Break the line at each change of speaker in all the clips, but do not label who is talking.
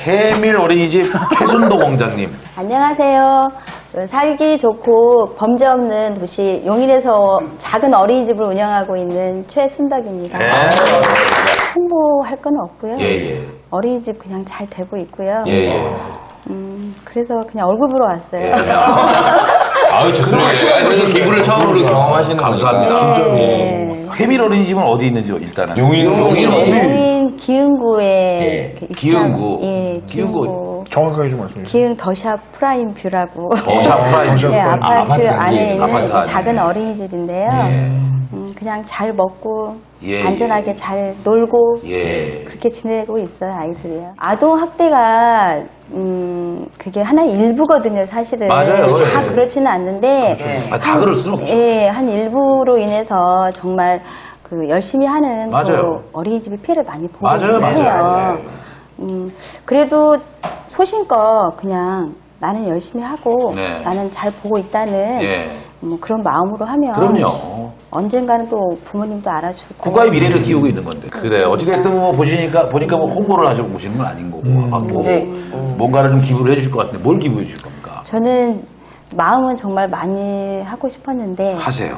해밀 어린이집 최순도 원장님.
안녕하세요. 살기 좋고 범죄 없는 도시 용인에서 작은 어린이집을 운영하고 있는 최순덕입니다.
네.
홍보할 건 없고요.
예.
어린이집 그냥 잘 되고 있고요.
예.
그래서 그냥 얼굴 보러 왔어요.
예.
아유, 그래서 기부를 처음으로 경험하시는
감사합니다.
네.
해밀 어린이집은 어디 있는지 일단은.
용인
용인 기흥구에
예.
그
기흥구.
예,
기흥구.
기흥구.
정확하게 좀 말씀해 주세요.
기흥 더샵 프라임 뷰라고.
더샵 프라임 뷰.
네, 아파트 안에 있는
아파트 안에.
작은 어린이집인데요.
예.
그냥 잘 먹고
예,
안전하게 잘 놀고
예.
그렇게 지내고 있어요, 아이들이요. 아동 학대가 그게 하나의 일부거든요, 사실은.
맞아요.
다
예.
그렇지는 않는데
다 그럴 수는 없죠.
예, 한 일부로 인해서 정말 그 열심히 하는
맞아요.
그 어린이집이 피해를 많이 보고
맞아요,
있긴
맞아요,
해요.
맞아요.
그래도 소신껏 그냥 나는 열심히 하고
네.
나는 잘 보고 있다는
예.
뭐 그런 마음으로 하면
그럼요.
언젠가는 또 부모님도 알아주고
국가의 미래를 키우고 있는 건데. 그래. 어찌됐든 뭐 보니까 뭐 홍보를 하시고 보시는 건 아닌 거고. 뭐 뭔가를 좀 기부를 해주실 것 같은데 뭘 기부해 주실 겁니까?
저는 마음은 정말 많이 하고 싶었는데
하세요.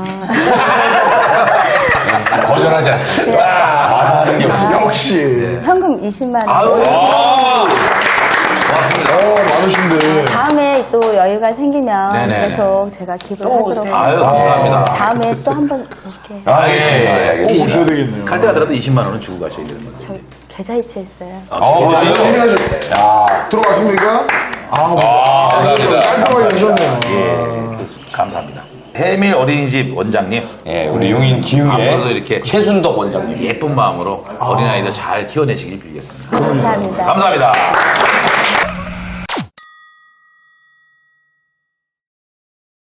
거절하지 않습니다.
역시.
현금 20만 원.
아유.
많으신데.
다음에 또 여유가 생기면
네네.
계속 제가 기부를 하도록
아유, 감사합니다.
다음에 또 한번 이렇게
예.
오셔야 되겠네요.
갈 때 가더라도 20만 원은 주고 가셔야 되는 거죠.
저 계좌이체 있어요.
들어갔습니까?
감사합니다.
깔끔하게 주셨네요.
감사합니다. 해밀 어린이집 원장님.
예, 우리 용인 기흥의
앞으로도 이렇게
최순덕 원장님.
예쁜 마음으로 어린아이들 잘 키워내시길 빌겠습니다.
감사합니다.
감사합니다.